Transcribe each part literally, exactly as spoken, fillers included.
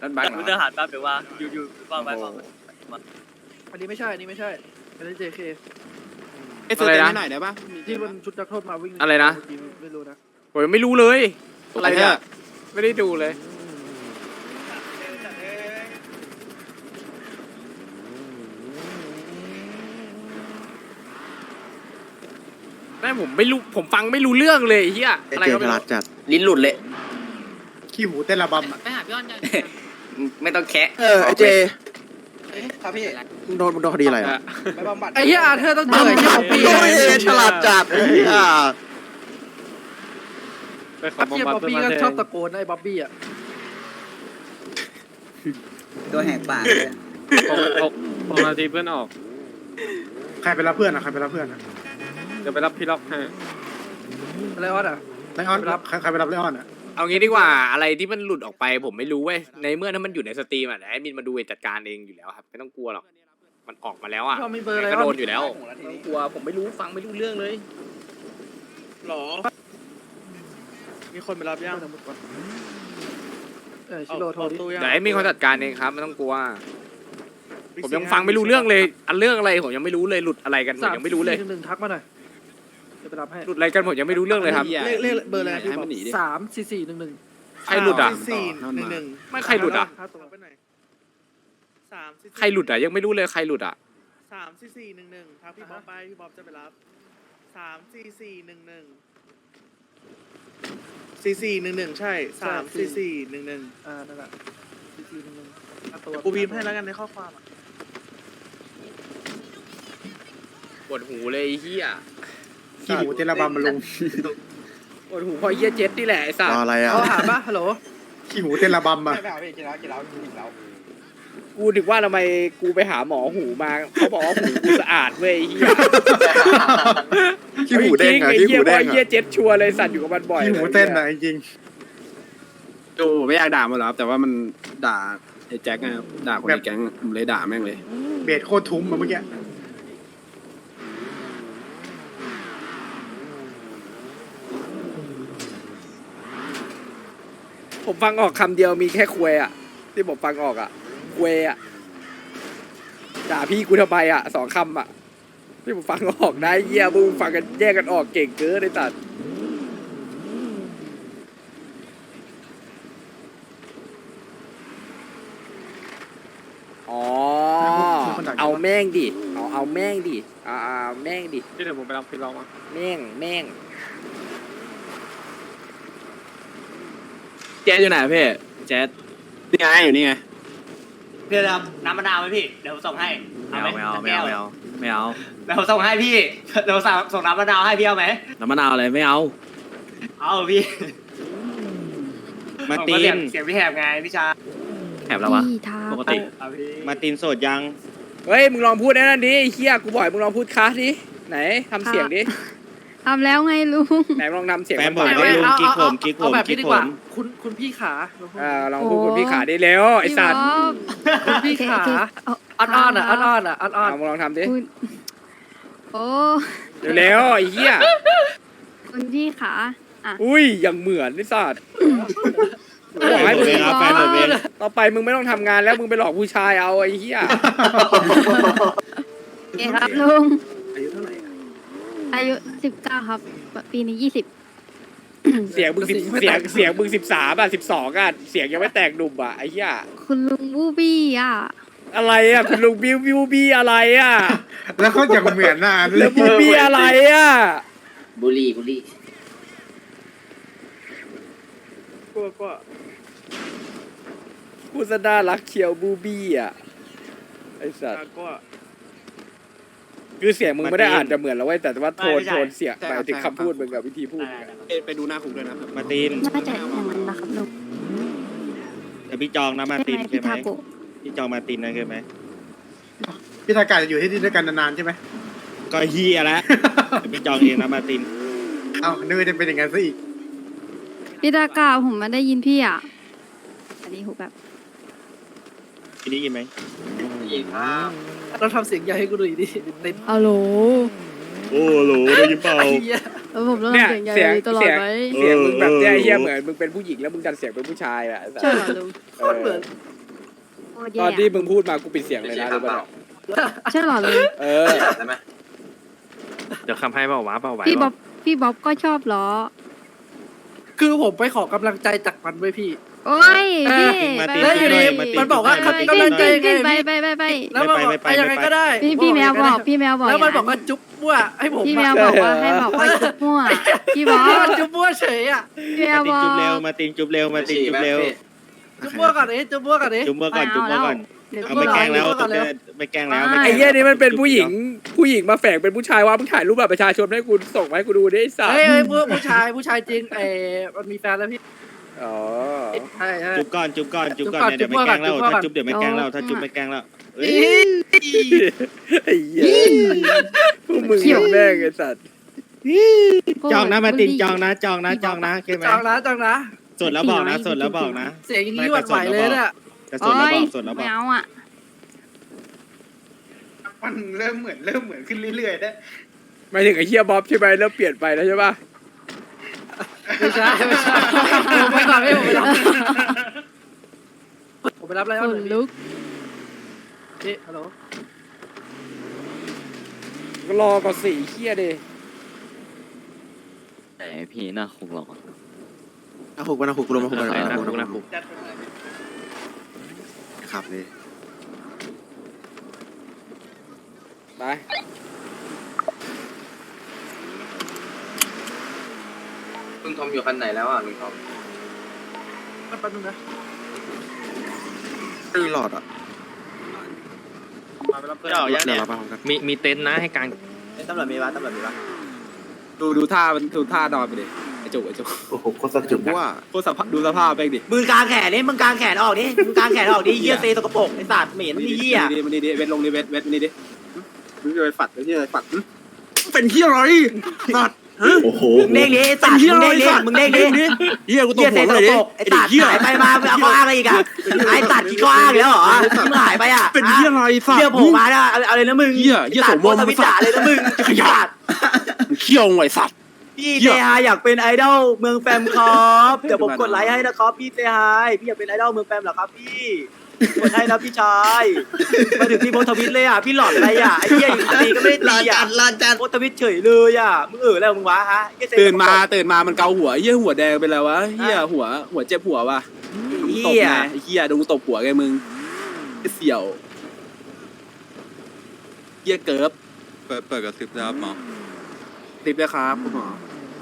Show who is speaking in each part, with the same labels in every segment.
Speaker 1: รถบัส
Speaker 2: มึงทหารแป๊บเดี๋ยวว่าอยู่อยู่ว่าไปว่า
Speaker 3: อันนี้ไม่ใช่อันนี้ไม่ใช่อันนี้ เจ เค
Speaker 4: ไอ้เซอร์เต็มให้หน่อยได้ปะ
Speaker 3: ที่มันชุดนักโทษมาวิ่ง
Speaker 1: อะไรนะ
Speaker 3: ไม่รู้นะ
Speaker 1: ผมไม่รู้เลยอะไรเนี่ยไม่ได้ดูเลยแม่ผมไม่รู้ผมฟังไม่รู้เรื่องเลยเฮียอะไรก็ไม่รู้จัดลิ้นหลุดเลย
Speaker 5: ขี้หูเต้นระบำอ่ะ
Speaker 6: ไปหาพี่อ้อนกัน
Speaker 1: ไม่ต้องแคะ
Speaker 7: เออไอเจ
Speaker 3: ครับพี่
Speaker 7: มึงโดนมึงโดนคดีอะไรอ่ะ
Speaker 3: ไปบำบัดไอ้เหี้ยอาเธอร์ต้องเจอไอ้เหี้ยป๊อปปี้
Speaker 7: โอ้ยฉลาดจัดไอ้เหี้ย
Speaker 1: ไปขอ
Speaker 3: ไอ้เหี้ย
Speaker 1: บำบัด
Speaker 3: ป๊อปปี้ก็ชอบตะโกนไอ้ป๊อปปี้อ่ะ
Speaker 6: ตัวแหกปากเลย
Speaker 1: ผมนาทีเพื่อนออก
Speaker 5: ใครไปรับเพื่อนอ่ะใครไปรับเพื่อนอ่ะ
Speaker 1: เดี๋ยวไปรับพี่ล็อกให้
Speaker 3: อะไรวะอ่ะ
Speaker 5: ไลออนรับใครใครไปรับไลออนอ่ะ
Speaker 1: เอางี้ดีกว่าอะไรที่มันหลุดออกไปผมไม่รู้เว้ยในเมื่อถ้ามันอยู่ในสตรีมอ่ะแอดมินมาดูจัดการเองอยู่แล้วครับไม่ต้องกลัวหรอกมันออกมาแล้วอ่ะ
Speaker 3: ชอบมีเบอร์อะไร
Speaker 1: ก็
Speaker 3: วะ
Speaker 1: โดนอยู่แล้วไม่ต้องกลัวผมไม่รู้ฟังไม่รู้เรื่องเลย
Speaker 2: หรอมีคนไปรับยัง
Speaker 3: เออชิโร่โทรดิ
Speaker 1: เดี๋ยวแอดมินเขาจัดการเองครับไม่ต้องกลัวผมยังฟังไม่รู้เรื่องเลยอันเรื่องอะไรผมยังไม่รู้เลยหลุดอะไรกันผมยังไม่รู้เลย
Speaker 3: หนึ่งทักมาหน่อยจะไปรับให้
Speaker 1: หลุดอะไรกันผมยังไม่รู้เรื่องเลยครับ
Speaker 3: เลขเลขเบอร์อะไรพี่
Speaker 4: ให้
Speaker 3: บอ
Speaker 4: มั
Speaker 3: ก
Speaker 4: นหนีดิ
Speaker 3: สามสี่สี่หนึ่งหนึ่ง
Speaker 1: ใครหลุดอ่ะ
Speaker 2: สี่หนึ่งหนึ่ง
Speaker 1: ไม่ใครหลุดอ่ะ
Speaker 3: ห้าตัว
Speaker 2: ไปไหนสาม
Speaker 1: ใครหลุดอ่ะยังไม่รู้เลยใครหลุดอ่ะ
Speaker 2: สามสี่สี่หนึ่งหนึ่งทักพี่บ๊อบไปพี่บ๊อบจะไปรับสามสี่สี่หนึ่งหนึ่งสี่สี่หนึ่งหนึ่งใช่สามสี่สี่หนึ่งหนึ่ง
Speaker 3: อ่านั่นแหละสี่สี่หนึ่งหนึ่งห้าตัว
Speaker 2: กูบีมให้แล้วกันในข้อความอ่ะ
Speaker 1: ปวดหูเลยไอ้เฮีย
Speaker 5: ขี้หูเต้นระบำมาลง
Speaker 1: ปวดหูเพราะไอ้เฮียเจ็ดนี่แหละไอ้สัส
Speaker 7: รออะไรอ่ะ
Speaker 3: เอาหาป่ะฮัลโหล
Speaker 5: ขี้หูเต้นระบำอ่ะ
Speaker 1: กูถึงว่าทำไมกูไปหาหมอหูมาเขาบอกว่าหูกูสะอาดเว้ยไอ้เฮีย
Speaker 7: ขี้หูเด้งอ่ะ
Speaker 1: ไอ้
Speaker 7: ขี้
Speaker 1: เฮีย
Speaker 7: หู
Speaker 1: เพ
Speaker 7: เด้
Speaker 1: ราะ
Speaker 7: ง
Speaker 1: ไอ้เฮีย
Speaker 7: อ่ะ
Speaker 1: เจ็ดชัวร์เลยสัตว์อยู่กับมันบ่อย
Speaker 5: ขี้หูเต้นอ่ะจริง
Speaker 4: ดูไม่อยากด่ามันหรอกครับแต่ว่ามันด่าไอ้แจ็คนะครับด่าคนในแก๊งผมเลยด่าแม่งเลย
Speaker 5: ๆเบสโคตรทุ้มอ่ะเมื่อกี้
Speaker 1: ผมฟังออกคำเดียวมีแค่ควยอ่ะที่ผมฟังออกอ่ะควยอ่ะด่าพี่กูทำไมอ่ะสองคำอ่ะที่ผมฟังออกได้เยี่ยมึงฟังกันแยกกันออกเก่งเกินไอ้สัตว์อ๋อเอาแม่งดิเอาเอาแม่งดิเอาเอาแม่งดิที่เดี๋ยวผมไปรับพี่ลองมาแม่งแม่ง
Speaker 4: แจ๊ดอยู่ไหนพี่แจ๊ดนี่ไงอยู่นี่ไง
Speaker 2: พี่รับน้ำมะนาวไหมพี่เดี๋ยวส่งให้
Speaker 6: ไม่เอาไม่เอาไม่เอาไม่เอาไม่เอา
Speaker 2: เดี๋ยวส่งให้พี่เดี๋ยวส่งส่งน้ำมะนาวให้พี่เอาไหม
Speaker 6: น้ำมะนาวอะไรไม่เอา
Speaker 2: เอาพี่
Speaker 6: มาตี
Speaker 2: เสีย
Speaker 6: น
Speaker 2: งเสียงพี่แหบไงพี่ชา
Speaker 6: แถบแล้ววะปกติ
Speaker 2: เอาพี่
Speaker 6: มาตีนโสดยัง
Speaker 1: เฮ้ยมึงลองพูดไอ้นั่นดิไอ้เฮียกูบ่อยมึงลองพูดค้าดิไหนทำเสียงดิ
Speaker 8: ทำแล้วไงลุง
Speaker 1: ไหนลองทำเสียง
Speaker 6: แฟน
Speaker 1: มัน
Speaker 6: ผม
Speaker 1: บ่อย
Speaker 6: ไม่
Speaker 1: ดิ
Speaker 6: รู้ กิ๊กผมกิ๊กผม
Speaker 3: เอาแบบ
Speaker 6: กิ๊
Speaker 3: นี้
Speaker 6: ก
Speaker 3: ดีกว่า
Speaker 6: ผม
Speaker 3: คุณคุณพี่ขา
Speaker 1: เออลองพูดคุณพี่ขาดิเร็วไอ้สัตว์
Speaker 3: คุณพี่ขา อ้อนๆอ่ะอ้อนๆอ่ะอ้อน
Speaker 1: เอามึงลองทำดิ
Speaker 8: คุณโอ้
Speaker 1: เร็วๆไอ้เหี้ย
Speaker 8: คุณพี่ขาอ่ะ
Speaker 1: อุ้ยอย่างเหมือนไอ้สัตว์บอกให้มึง
Speaker 6: แฟนผมเองครับแฟนผมเอง
Speaker 1: ต่อไปมึงไม่ต้องทำงานแล้วมึงไปหลอกผู้ชายเอาไอ้เหี้ย
Speaker 8: เอครับลุง
Speaker 3: ๆอายุเท่าไหร่อะ
Speaker 8: อายุสิบเก้าครับ ปีนี้ยี่สิบ
Speaker 1: เสียงมึงสิบเสียงเสียงมึงสิบสามอ่ะสิบสองอ่ะเสียงยังไม่แตกหนุ่มอ่ะไอ้เหี้ย
Speaker 8: คุณลุงบูบี้อ่ะ
Speaker 1: อะไรอ่ะคุณลุงบิวบิวบีอะไรอ่ะ
Speaker 5: แล้วเขาอย่างเหมือนน่ะ
Speaker 1: แล้วบิวบีอะไรอ่ะ
Speaker 2: บุรีบุรีกลัวกลัว
Speaker 1: พูดซะน่ารักเคียวบูบี้อ่ะไอ้สัตว์
Speaker 2: กลัว
Speaker 1: คือเสียงมึงไม่ได้อ่านจะเหมือนแล้วเว้ยแต่ว่าโทนโทนเสียงหมายถึงคำพูดมึงกับวิธีพูดมึงอะ
Speaker 4: ไปดูหน้าคุกด้วยนะครับ
Speaker 6: มาตีน
Speaker 8: น่าจะอย่างนั้นนะครับลุง
Speaker 6: แต่พี่จองนะมา
Speaker 8: ใช่
Speaker 6: ตีน
Speaker 8: ไหม
Speaker 6: ใช่
Speaker 8: พี่
Speaker 6: ไหม
Speaker 8: ทาโกะ
Speaker 6: พี่จองมาตีนนะใช่ไหม
Speaker 5: พี่ทากาจะอยู่ที่นี่ด้วยกันนานๆใช่ไหม
Speaker 6: ก็เฮียแล้วแต่พี่จองเองนะมาตีน
Speaker 5: เอ้านึกว่าจะเป็นอย่างนั้นซะอีก
Speaker 8: พี่ตากาผมมาได้ยินพี่อ่ะอันนี้หูแบบ
Speaker 6: พี่ได้ยินไหม
Speaker 3: เราทำเสียงใหญ่ให้กูดูอีกดิเต็ม
Speaker 8: ฮัลโหล
Speaker 6: โอ้โหได้ยินเปล่า
Speaker 3: ไอ้เหี้ย
Speaker 8: แล้วผมต้อง
Speaker 1: เนี่ย
Speaker 8: ทำเสียงใหญ่
Speaker 1: เสียง
Speaker 8: ตลอด
Speaker 1: เสียง
Speaker 8: ไหม
Speaker 1: เสียงมึงแบบเนี้ยไอ้เหี้ยเหมือนมึงเป็นผู้หญิงแล้วมึงดันเสียงเป็นผู้ชายอ่ะ
Speaker 8: ใช่เหรอลุง
Speaker 2: โคตรเหมือน
Speaker 8: โคตร
Speaker 1: ต
Speaker 8: แย่
Speaker 1: อนที่มึงพูดมากูปิดเสียงเลยนะรู้ป่ะ
Speaker 8: ใช่เหรอลุง
Speaker 1: เออ
Speaker 3: เดี๋ยวคำให้เบาหวาเบาไหว
Speaker 8: พี่บ๊อบพี่บ๊อบก็ชอบล้อ
Speaker 2: คือผมไปขอกำลังใจจากมันไว้พี่
Speaker 8: โอ้ยพี่
Speaker 6: มา
Speaker 8: ไป
Speaker 6: ตี
Speaker 8: ไป
Speaker 2: แล้วอยู่ดี
Speaker 8: ไป
Speaker 2: มันบอกว่า
Speaker 8: ไป
Speaker 2: กำลังใจ
Speaker 8: ขึ้น
Speaker 2: ไง
Speaker 8: ขึ้นไป
Speaker 2: พี่
Speaker 8: ไปไปไป
Speaker 2: แล้วมันบอก
Speaker 6: ไม่ไป
Speaker 2: ไปยังไง
Speaker 6: ไม่ไป
Speaker 2: ก็ได้
Speaker 8: พี่พี่แมวบอกพี่แมวบอก
Speaker 2: แล้วมัน
Speaker 8: ย่าง
Speaker 2: บอกว่าจุ๊บมั่วให้ผม
Speaker 8: พี่แมว
Speaker 2: อะ
Speaker 8: บอกว่าให้บอกว่าจุ๊บมั่วพี่บ๊อบ
Speaker 2: ให้มันจุ๊บมั่วเฉยอ่ะ
Speaker 8: พี่แมว
Speaker 6: มา
Speaker 8: บ
Speaker 6: ติ
Speaker 8: อง ก
Speaker 6: จุ๊บเร็วมาติงจุ๊บเร็วมาติงจุ๊บเร็ว
Speaker 2: จุ๊บมั่วก่อนดิจุ๊บมั่วก่อนดิ
Speaker 6: จุ๊บเมื่อก่อนจุ๊บเมื่อก่อน
Speaker 8: เดี๋ยว
Speaker 6: เอา
Speaker 8: พี่
Speaker 6: ไม่
Speaker 8: บ๊อ
Speaker 6: แกล้
Speaker 8: บ
Speaker 6: งแล้ว
Speaker 2: จุ๊บก่อนเร็ว
Speaker 6: ไม่แกล้งแล้ว
Speaker 8: อ่า
Speaker 6: ม่แกล้ง
Speaker 1: ไอ้เหี้ยนี่มันเป็นผู้หญิงผู้หญิงมาแฝงเป็นผู้ชายว่ามึงถ่ายรูปแบบประชาชนให้กูส่งมาให้กูดูดิไอ้สัส
Speaker 2: เฮ้ยเฮ้ยผู้ผู้ชายผู้ชายจริงเออมันมีแฟนแล้วพี่
Speaker 1: อ๋อ
Speaker 2: ใช่ใช่
Speaker 6: จุ๊บก่อนจุ๊บก่อนจุ๊บก่อน
Speaker 2: จุ๊
Speaker 6: เดี๋
Speaker 2: บ
Speaker 6: ยว
Speaker 2: ก่
Speaker 6: ไม่
Speaker 2: อน
Speaker 6: แกล้งแล้ว
Speaker 2: จุ๊บก่อน
Speaker 6: ถ้าจุ๊บเดี๋ยวไม่แกล้งแล้วถ้าจุ๊บไม่แกล้งแล้วเอ้ย
Speaker 1: ไอ้เหี้ยพวกมึงแม่งไอ้สัส
Speaker 6: จองนะมาตินจองนะจองนะจองนะโอเคไหม
Speaker 2: จองนะจองนะ
Speaker 6: สดแล้วบอกนะสดแล้วบอกนะ
Speaker 2: เสียงอย่างนี้หวั่นไหวเลยเนี่ย
Speaker 6: แต่สดแล้วบอกสดแล้วบ
Speaker 8: ไม่
Speaker 6: อก
Speaker 8: เอาอ่ะ
Speaker 5: มันเริ่มเหมือนเริ่มเหมือนขึ้นเรื่อยๆนะ
Speaker 1: หมายถึงไอ้เหี้ยบ๊อบใช่ไหมเริ่มเปลี่ยนไปแล้วใช่ปะ
Speaker 2: ไม่ใช่ไม่ใช่ผมไปก่อนพี่ผมไปรับผมไปรับแล้ว
Speaker 8: คนลุก
Speaker 2: พี่ฮัลโหล
Speaker 1: ก็รอก่อนสี่เหี้ยดิ
Speaker 3: แต่พี่หน้าคุกหรอก
Speaker 7: นาคุกวะนาคุกกูลงมาคุกกัน
Speaker 3: หน้า
Speaker 7: นา
Speaker 3: คุ
Speaker 7: คุ
Speaker 3: ก
Speaker 7: ก
Speaker 3: หน้าคุก
Speaker 7: ขับเลย
Speaker 1: ไป
Speaker 9: ลุงทอมอยู่คันไหนแล้วอ่ะลุงทอม
Speaker 2: แป๊บนึงนะ
Speaker 7: ตีหลอดอ่ะ
Speaker 3: เจ้ายังเนี่ย
Speaker 7: เดี๋วเราไปพร้อมกัน
Speaker 3: มีมีเต็นท์นะให้กาง
Speaker 9: ตำรวจมีวะตำรวจมีวะ
Speaker 4: ดูดูท่ามันดูท่านอนไปดิไอ้จุกไอ้จุก
Speaker 7: โอ้โหโคตรสะจุกว่า
Speaker 4: โคตรสภาพดูสภาพไปดิ
Speaker 9: มึงกางแขนนี่มึงกางแขนออกดิมึงกางแขนออกดิเหี้ยเซสกปรกไอ้สัตว์เหม็นนี่เหี้ย
Speaker 4: มันนี่ดิมันนี่ดิเวทลงดิเวทเวทมันนี่ดิมึงจะไปฝัดไอ้เหี้ยฝัดหึเป็นเหี้ยอะไรสัตว์ฮะ
Speaker 7: โอ้โห
Speaker 9: มึงเด้งดิไอ้สัตว์มึงเด้งดิมึงเด้งดิ
Speaker 4: เหี้ยกูต
Speaker 9: เหี้
Speaker 4: บ
Speaker 9: ยเซ
Speaker 4: หัว
Speaker 9: ส
Speaker 4: เลย
Speaker 9: ก
Speaker 4: ดิ
Speaker 9: ปรกไอ้สัตว์หายไปมามึงเอาข้ออ้างอะไรอีกอะไอ้สัตว์กี่ข้ออ้างแล้วเหรอที่มึงหายไปอ่ะ
Speaker 4: เป็นเหี้ยอะไรสัตว์
Speaker 9: เหี้ยโผล่มาเนี่ยเอาเอาเลยนะมึง
Speaker 4: เหี้ยเหี้ยสมม
Speaker 9: ติ
Speaker 4: ติ
Speaker 9: ทวิตด่าเลยนะมึงขยะ
Speaker 4: มึงเขี้ยวไอ้สัตว์
Speaker 9: พี่เซฮายอยากเป็นไอดอลเมืองแฟมครับเดี๋ยวผมกดไลค์ให้นะครับพี่เซฮายพี่อยากเป็นไอดอลเมืองแฟมเหรอครับพี่กดให้นะพี่ชายมาถึงพี่โพสต์ทวิตเลยอ่ะพี่หลอดอะไรอ่ะไอ้เหี้ยอยู่ดีก็ไม่ได้ตีอ่ะโพสต์ทวิตเฉยเลยอ่ะมึงเออแล้วมึงวะฮะ
Speaker 4: ตื่นมาตื่นมามันเกาหัวเหี้ยหัวแดงเป็นไรวะเหี้ยหัวหัวเจ็บหัวว่ะตบ
Speaker 9: เหี้ย
Speaker 4: ไงไอ้เหี้ยดูตบหัวไงมึงเสี่ยวเหี้ยเกิร์ฟ
Speaker 10: เปิดเปิดกระซิบนะครับหมอ
Speaker 4: ติดเลยครับคุณหม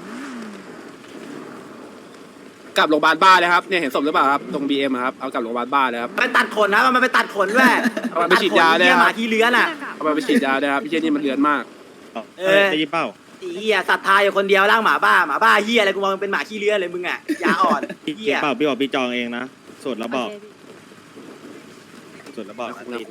Speaker 4: อกลับโรงพยาบาลบ้าเลยครับเนี่ยเห็นศพหรือเปล่าครับตรงบีเอ็มครับเอากลับโรงพยาบาลบ้าเลยครับ
Speaker 9: ไปตัดขนนะมันไปตัดขนด้วย
Speaker 4: เอาไปฉีดยาด้วย
Speaker 9: เหี้
Speaker 4: ครับ
Speaker 9: หมาขี้เลื้อนอ่ะ
Speaker 4: เอาไปไปฉีดยาด้วยครับพี่เจนี่มันเลือนมาก
Speaker 9: เออ
Speaker 6: ได้ยินเปล่า
Speaker 9: ไอ้เหี้ยศรัทธาอยู่คนเดียวร่างหมาบ้าหมาบ้าเหี้ยอะไรกูมองมันเป็นหมาขี้เลื้อนเลยมึงอ่ะยาอ่อน
Speaker 6: เก่
Speaker 9: เหี้
Speaker 6: ง
Speaker 9: ย
Speaker 6: เปล่าพี่บอกพี่จองเองนะสดแล้วบอกสดแล้วบอก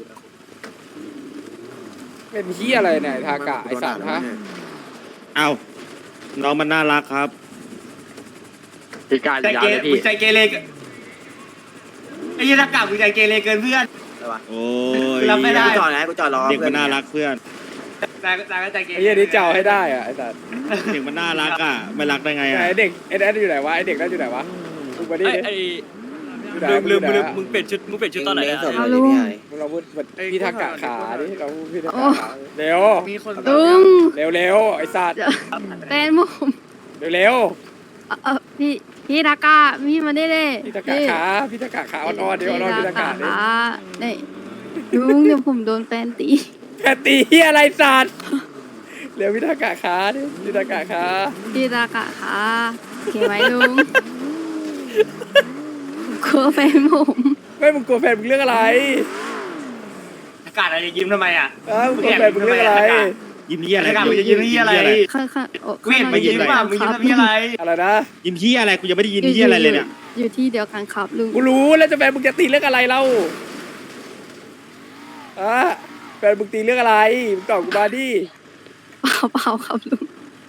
Speaker 1: เป็นเหี้ยอะไรเนี่ยไอ้ทากะไอ้สัตว์ฮะ
Speaker 6: เอ้าน้องมันน่ารักครับ
Speaker 3: พี่การยาวเลยพี่
Speaker 9: ใจเกเรไอ้ยี่นักกามึงใจเกเรเกินเพื่อน
Speaker 6: โอ้ย
Speaker 9: รับไม่ได้กูจอดนะกูจอดรอ
Speaker 6: เด็กมันน่ารักเพื่อน
Speaker 9: แต่แต่ก็ใจเกเร
Speaker 1: ไอ้เหี้ยนี่เจ้าให้ได้อ่ะไอ้สัตว์
Speaker 6: เด็กมันน่ารักอ่ะไม่รักได้ไงอ่ะ
Speaker 1: ไอ้เด็กไอ้แดนอยู่ไหนวะไอ้เด็กนั่นอยู่ไหนวะมึงมาดิดิอยู่ไหน
Speaker 3: ลืมลืม
Speaker 1: อยู่ไหน
Speaker 3: ลืม
Speaker 1: อะ
Speaker 3: มึงเปลี่ยนชุดมึงเปลี่ยนชุดตอนไหนอะ
Speaker 8: เอาลุง
Speaker 1: มึงเราพูดพี่ทากะขาดิเราพูดพี่ทากะขาเร็ว
Speaker 2: มีคน
Speaker 8: ลุง
Speaker 1: เร็วเร็วไอ้สัตว์
Speaker 8: แฟนผม
Speaker 1: เร็วเร็ว
Speaker 8: เออเออพี่พี่ดากาพี่มาได้เลย
Speaker 1: พี่ทากะขาพี่ทากะขาอ่อนๆเดี๋ยวอ่อนๆพี่ทากะดิ
Speaker 8: ขานี่ลุงเดี๋ยวผมโดนแฟนตี
Speaker 1: แกตีเหี้ยอะไรสัตว์เร็วพี่ทากะขาดิพี่ทากะขา
Speaker 8: พี่ดากาขาโอเคไหมลุงกลัวแฟนผม
Speaker 1: ไม่มึงกลัวแฟนมึงเรื่องอะไร
Speaker 9: อากาศอะไรยิ้มทำไมอ่ะ
Speaker 1: เออมึงกลัวแฟนมึงเรื่องอะไร
Speaker 6: ยิ้มเฮียอะไร
Speaker 9: มึงจะยิ้มเหี้ยอะไร
Speaker 8: ข้างข้างโอ้
Speaker 9: กูเห็นมายิ้มอ่ะมึงยิ้มทำพี่อะไร
Speaker 1: อะไรนะ
Speaker 6: ยิ้มเฮียอะไรกูยังไม่ได้ยินเฮียอะไรเลยเนี่ย
Speaker 8: อยู่ที่เดียวกันครับลุง
Speaker 1: กูรู้แล้วจะแฟนมึงจะตีเรื่องอะไรเล่าอะแฟนมึงตีเรื่องอะไรมึงตอบกูมาดิ
Speaker 8: เปล่าเปล่าครับลุง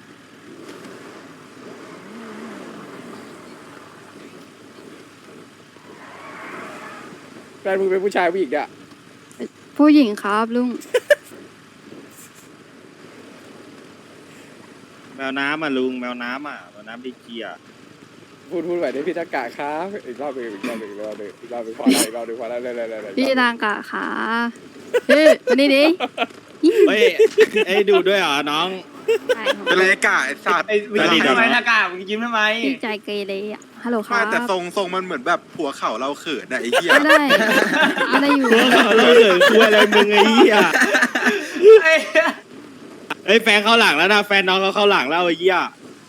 Speaker 1: แฟนมึงเป็นผู้ชายผู้หญิงเนี่ย
Speaker 8: ผู้หญิงครับลุง
Speaker 1: ม
Speaker 6: แมวน้ำอ่ะลุงแมวน้ำอ่ะแมวน้ำดีเกียร์
Speaker 1: พูดพูดใหม่ได้พี่ตะกะครับอีกรอบหนึ่งอีกรอบหนึ่งอีกรอบหนึ่งอีกรอบหนึ่งพอแล้วอีกรอบหนึ่งพอแล้วเลยเลยเลยเลย
Speaker 8: พี่นางกะขาเฮ้ยมานี่ดิ
Speaker 6: เฮ้ยไอ้ยดูด้วยเหรอน้อง
Speaker 7: เป็นไรกะไอ้สัตว์
Speaker 9: ไอ้มึงยิ้มทำไมหน้ากากมึงยิ้มทำไม
Speaker 8: พี่ใจเกเรอ่ะฮัลโหลครั
Speaker 7: มา
Speaker 8: บ
Speaker 7: แต่ทรงทรงมันเหมือนแบบผัวเข่าเราเขินอะไอ้เหี้ย
Speaker 8: ไม่ได้อะไรอยู่
Speaker 6: เราเกิดคุยอะไรมึงไอ้เหี้ย
Speaker 9: ไอ้
Speaker 6: เฮ้ยแฟนเข้าหลังแล้วนะแฟนน้องเขาเข้าหลังแล้วไอ้เหี้ย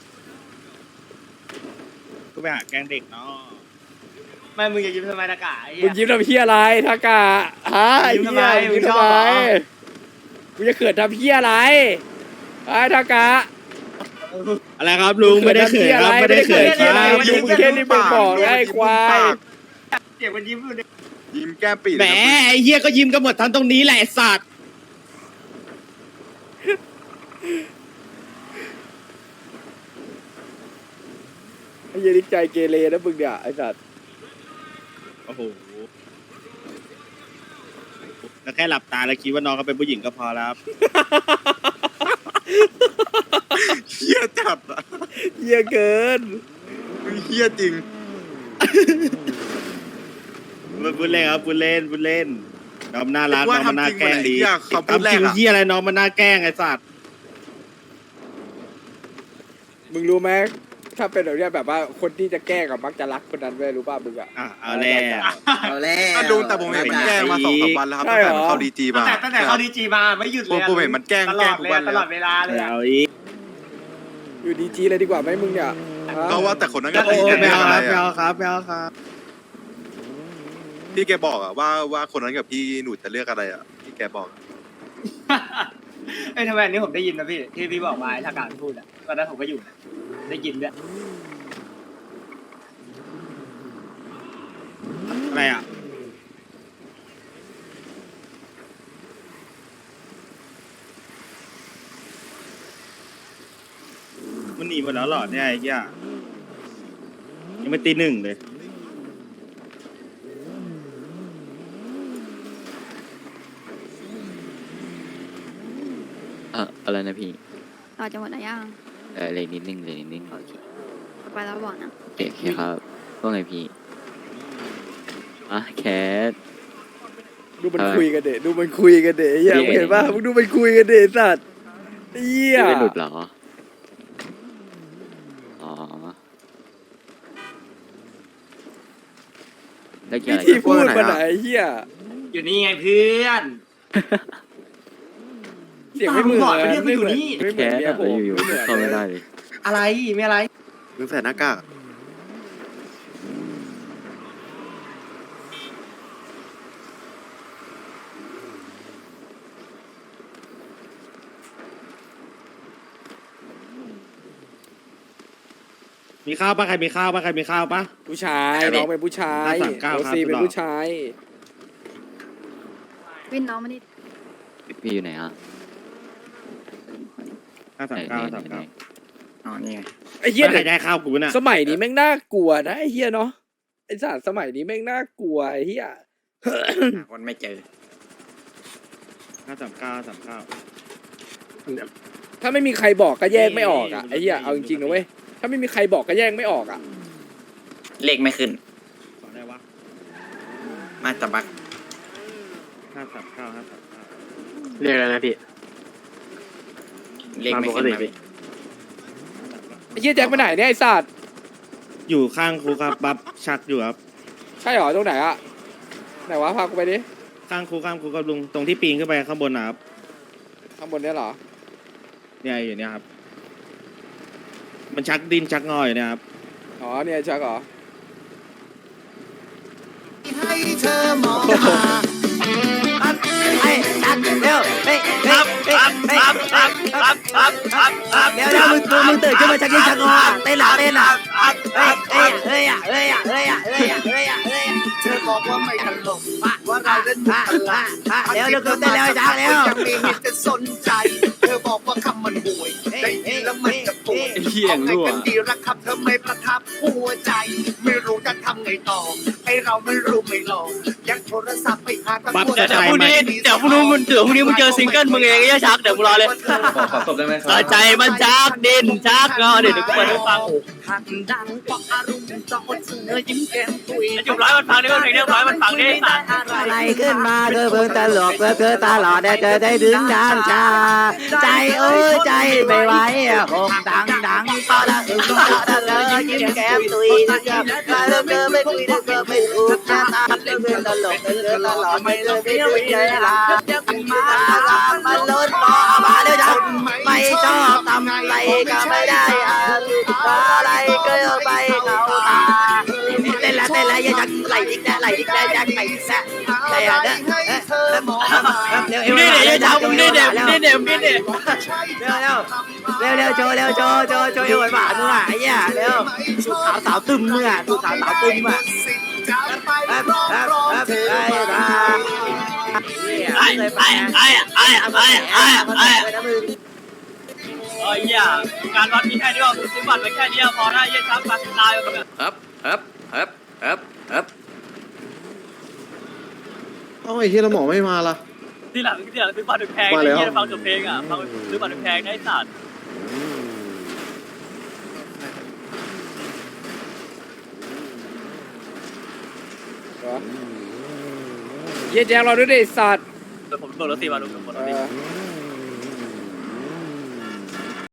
Speaker 6: ก็ไปหาแกงเด็กเนาะ
Speaker 9: ไม่มึงอย่ายิ้มทำไมหน้ากากไอ้
Speaker 1: มึ
Speaker 9: เหี้
Speaker 1: ง
Speaker 9: ย
Speaker 1: ยิ้มทำเพี้ยอะไรทากะฮะ
Speaker 9: ยิ้มทำไม
Speaker 1: เหี้ย
Speaker 9: มึ
Speaker 1: ยิ้
Speaker 9: ง
Speaker 1: ม
Speaker 9: ช
Speaker 1: ทำ
Speaker 9: อบ
Speaker 1: ไม
Speaker 9: เหรอ
Speaker 1: มึงจะเขินทำเพี้ยอะไรไอ้ทากะ
Speaker 6: อะไรครับลุงไม่ได้เขินครับไม่ได้เขินค
Speaker 1: อะไร
Speaker 6: รับ
Speaker 1: อยู่มึงแค่นี้มึงบอกแล้วไอ้ควาย
Speaker 9: เสียงมันยิ้มอยู่เนี่ย
Speaker 7: ยิ้มแก้มปีด
Speaker 6: แหมไอ้เหี้ยก็ยิ้มกันหมดทั้งตรงนี้แหละไอ้สัตว์
Speaker 1: ไอ้เหี้ยนิกใจเกเรนะมึงเนี่ยไอ้สัตว์
Speaker 6: โอ้โหก็แค่หลับตาแล้วคิดว่าน้องเขาเป็นผู้หญิงก็พอแล้วครับ
Speaker 7: เหี้ยจัดอะ
Speaker 1: เหี้ยเกิน
Speaker 7: มึงเหี้ยจริง
Speaker 6: มันพูดเล่นครับพูดเล่นพูดเล่นน้องมันน่ารักน้
Speaker 7: ว่า
Speaker 6: องมันน่า
Speaker 7: ทำจริง
Speaker 6: แกล้งดี
Speaker 7: มันไหนเหี้ยคำพูดแรกอะ
Speaker 6: ทำจริงเหี้ยอะไรน้องมันน่าแกล้งไอ้สัตว์
Speaker 1: มึงรู้ไหมถ้าเป็นแบบเนี้ยแบบว่าคนที่จะแกล้งกับมักจะรักคนนั้นเว้ยรู้ป่ะมึงอะ
Speaker 6: อ่ะเอาแล้ว
Speaker 9: เอาแล้ว
Speaker 7: อ่ะดูแต่ผมเห็นมันแกล้งมาสองสามวันแล้วครับ
Speaker 1: ใช่
Speaker 7: ตั้ง
Speaker 1: เหรอ
Speaker 7: แต่มันเข้าดีจี
Speaker 9: ตั้
Speaker 7: มาง
Speaker 9: แต่ตั้งแต่เข้าดีจีมาไม่หยุดเลยอะ
Speaker 7: ผมเห็นมันแกล้ง
Speaker 9: ตล
Speaker 7: แกล้
Speaker 9: อง ด
Speaker 7: ทุ
Speaker 9: เล
Speaker 7: กวั
Speaker 9: ย
Speaker 7: น
Speaker 9: ต
Speaker 7: เลย
Speaker 9: ลอดเวลาเลยอะ
Speaker 6: เอาอีก
Speaker 1: อยู่ดีจีเลยดีกว่าไหมมึงเนี่ยฮะ
Speaker 7: ก็ว่าแต่คนนั้น
Speaker 6: โอ้
Speaker 7: ก็ตีกัน
Speaker 6: ไม่
Speaker 7: เรื่อง
Speaker 6: เอา
Speaker 7: อะไร
Speaker 6: ครับไม่
Speaker 7: อะ
Speaker 6: เอาครับไม่เอาครับ
Speaker 7: ที่แกบอกอะว่าว่าคนนั้นกับพี่หนูจะเลือกอะไรอะที่แกบอก
Speaker 9: ไอ้ยทำไมอันนี้ผมได้ยินนะพี่ที่พี่บอกมาไอ้หน้ากากพูดอะตอนนั้นผมก็อยู่นะได้ยินด้วย
Speaker 6: อะไรอ่ะมันหนีหมดแล้วเหรอเนี่ยไอ้เหี้ยยังไม่ตีหนึ่งเลย
Speaker 3: เอ่ออะไรนะพี่
Speaker 8: ต่อจังหวัดไหนย่าง
Speaker 3: เออเลยนิดนึงเลยนิดนึง
Speaker 8: โอเคไปแล้วบอกนะ
Speaker 3: โอเคโอเคครับว่าไงพี่อ่ะแคท
Speaker 1: ดูมัน
Speaker 3: เออ
Speaker 1: คุยกันเดะดูมันคุยกันเดะเหี้ย
Speaker 3: นี่
Speaker 1: มึงเห็นป่ะมึงดูมันคุยกันเดะสัตว์เหี้ย
Speaker 3: พี่ไม่หลุดเหรออ๋อแล้วเกี่ยว
Speaker 1: วิ
Speaker 3: อะไร
Speaker 1: ธี
Speaker 3: กับ
Speaker 1: พูดมันไหนเหี้ย
Speaker 9: อยู่นี่ไงเพื่อน
Speaker 1: เสียงไม่เหมือน
Speaker 9: ตามบอกไปเนี่ยมันอยู่นี่
Speaker 1: ไม่เห
Speaker 3: แค
Speaker 1: มือน
Speaker 3: ท
Speaker 1: เนี่ย
Speaker 3: อะ
Speaker 1: ผม
Speaker 3: อยู่
Speaker 1: ไม่เหมือน
Speaker 3: ๆเข้าไม่ได้เลย
Speaker 9: อะไรไม่อะไร
Speaker 7: มึงใส่หน้ากาก
Speaker 6: มีข้าวปะใครมีข้าวปะใครมีข้าวปะ
Speaker 1: ผู้ชายน้องเป็นผู้ชาย
Speaker 6: ห้าสามเก้า
Speaker 1: โอ
Speaker 6: ครับ
Speaker 1: ซีเป็น
Speaker 6: คุณหล่อ
Speaker 1: ผู้ชาย
Speaker 8: วินน้องมานี่
Speaker 3: พี่อยู่ไหนฮะ
Speaker 6: ห้าสามเก้าห้าสามเก้า
Speaker 9: อ๋อนี่ไง
Speaker 1: ไอ้เหี้ย
Speaker 6: ใครได้ข้าวกูน่ะ
Speaker 1: สมัยนี้แม่งน่ากลัวนะไอ้เหี้ยเนาะไอ้สัตว์สมัยนี้แม่งน่ากลัวไอ้เหี้ย
Speaker 9: คนไม่เจอ
Speaker 6: ห้าสามเก้าห้าสามเก้า
Speaker 1: ถ้าไม่มีใครบอกก็แยกไม่ออกอ่ะไอ้เหี้ยเอาจริงๆนะเว้ยถ้าไม่มีใครบอกก็แยกไม่ออกอ่ะ
Speaker 9: เลขไม่ขึ้น
Speaker 6: สอนได้วะ
Speaker 9: มาตะบัก
Speaker 6: ห้าสามเก้าห้าสามเก้า
Speaker 9: เรียกอะไรนะพี่เลขไม่ขึ้นนะพี่
Speaker 1: ไอ้เหี้ยแจ็คไปไหนเนี่ยไอ้สัตว์
Speaker 6: อยู่ข้างครูครับบัฟชักอยู่ครับ
Speaker 1: ใช่เหรอตรงไหนอ่ะไหนวะพากูไปดิ
Speaker 6: ข้างครูข้างครูกับลุงตรงที่ปีนขึ้นไปข้างบนนะครับ
Speaker 1: ข้างบนเนี่ยเหรอ
Speaker 6: เนี่ยอยู่เนี่ยครับ มันชักดินชักงออยู่เนี่ยครับ
Speaker 1: อ๋อเนี่ยชักเหรอ
Speaker 9: ให้เธอมองมาไอ้ตัดเร็วเฮ้ยเฮ้ยเฮ้ยเฮ้ยเดี๋ยวเดี๋ยวมึงมึงมึงตื่นขึ้นมาชักยิ่งชักงอเต้นหลังเต้นหลังเฮ้ยเฮ้ยเฮ้ยเฮ้ยเฮ้ยเฮ้ยเฮ้ยเฮ้ยเธอบอกว่าไม่ทันลงว่าเราเล่นมุกกันละเดี๋ยวเดี๋ยวเต้นแล้วจังแล้วยังมีเหตุจะสนใจเธอบอกว่าคำมันห่วยได้ยินแล้วมันจะปวดเอาไงกันดีรักครับเธอไม่ประทับหัวใจ ไม่รู้จะทำไงต่อไอเราไม่รู้ไม่ลองยัง
Speaker 6: ปั๊บจะ
Speaker 9: เดี๋ยว
Speaker 6: ใช้
Speaker 9: พรุ่ง
Speaker 6: ไหม
Speaker 9: นี้เดี๋ยวพรุ่งนี้มึงเดี๋ยวพรุ่งนี้มึงเจอซิงเกิลมึงเองไอ้ชักเดี๋ยวมึงรอเลย
Speaker 10: ขอขอศพได้ไหมค
Speaker 9: เอ
Speaker 10: รั
Speaker 9: อบ ใจมันชักดินชักเนาะเดี๋ยวเดี๋ยวกูเปิดให้ฟังจุดร้อยมันฟังดิว่าเพลงนี้ร้อยมันฟังดิอะไรขึ้นมาเธอเพิ่งตลกเธอเธอตลอดแต่เธอได้ถึงทางชาใจเอ้ยใจไม่ไหวคงดังดังก็ละอึ้งก็ละเธอยิ้มแก้มตุยนะจ๊ะเธอเธอไม่คุยเธอไม่ถูกชะตาเธอเพิ่งตลกเธอเธอตลอดไม่เคยไม่คุยใจลามาลามันล้นคอมาเดี๋ยวจะไม่ชอบทำอะไรก็ไม่ได้อะไรก็ไปเขาตาเต้นละเต้นละยังจักไหลดิ๊กแน่ไหลดิ๊กแน่จักไหลดิ๊กแน่แต่อ่ะเด้อนี่เดี๋ยวเช้ามึงนี่เดี๋ยวนี่เดี๋ยวนี่เดี๋ยวเร็วเร็วเร็วเร็วโชว์เร็วโชว์โชว์โชว์เอวหวานๆมึงอ่ะไอ้เหี้ยเร็วสุดขาวสาวตึมมึงอ่ะสุดขาวสาวตึมอ่ะแป๊บแป๊บแป๊บไอ้บ้าไอ้ไอ้ไอ้ไอ้ไอ้ไอ้ไอ้โอ้ยอย่าการวัดมีแค่นี้ว่าซื้อบัตรไปแค่นี้พอได้ยังช้าปัดตายกันแบบ
Speaker 1: เฮ้บเฮ้บเฮ้บเฮ้บเฮ้บ
Speaker 5: เอ้าไอ้ที่เราหมอไม่มาล่ะ
Speaker 9: ที่หลังที่หลังซื้อบัตรแพง
Speaker 5: มา
Speaker 9: ไอ้
Speaker 5: แล้ว
Speaker 9: เหี้ยฟังจบเพลงอ่ะฟังซื้อบัตรแพงได้สัตว์
Speaker 1: เยี่ยแจงเราด้วยดิสัตว์
Speaker 9: ผมโดนรถตีมาโดนผมโดนรถตี
Speaker 1: เออ